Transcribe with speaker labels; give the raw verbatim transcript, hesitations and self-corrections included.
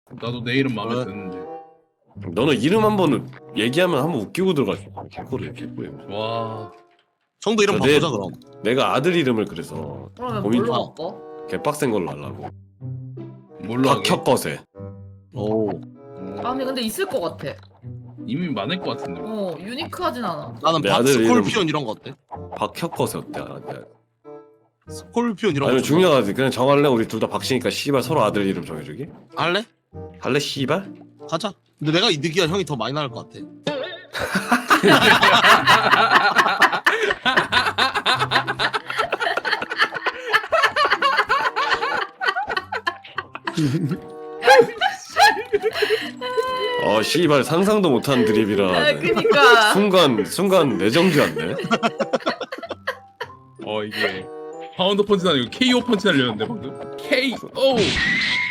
Speaker 1: 나도 내 이름 마음에
Speaker 2: 왜?
Speaker 1: 드는데.
Speaker 3: 너는 이름 한번 얘기하면 한번 웃기고 들어가지. 개코를 개코해.
Speaker 1: 와.
Speaker 2: 형도 이름
Speaker 3: 저 내-
Speaker 2: 바꾸자 그럼.
Speaker 3: 내가 아들 이름을 그래서
Speaker 4: 그러면
Speaker 3: 고민
Speaker 4: 뭘로
Speaker 2: 중.
Speaker 4: 바꿔?
Speaker 3: 개빡센 걸로 하려고.
Speaker 1: 뭘로 하게?
Speaker 3: 박혁거세.
Speaker 2: 오.
Speaker 1: 어,
Speaker 4: 아니 근데 있을 것 같아.
Speaker 1: 이미 많을 것 같은데.
Speaker 4: 어 유니크하진 않아.
Speaker 2: 나는
Speaker 3: 내
Speaker 2: 박
Speaker 3: 아들 이름-
Speaker 2: 스콜피온 이런 거 어때?
Speaker 3: 박혁거세 어때? 아, 네.
Speaker 2: 스콜피온 이런 거.
Speaker 3: 아니면
Speaker 2: 좀
Speaker 3: 중요하지. 그냥 정할래? 우리 둘 다 박씨니까 씨발 서로 아들 이름 정해주기?
Speaker 2: 할래?
Speaker 3: 할래 씨발?
Speaker 2: 가자. 근데 내가 이득이야 형이 더 많이 나을 것 같아.
Speaker 3: 어 씨발 상상도 못한 드립이라.
Speaker 4: 아, 그니까.
Speaker 3: 순간 순간 내정지 않네.
Speaker 1: 어 이게 파운드 펀치 아니고 케이오 펀치 날렸는데 방금. 케이오.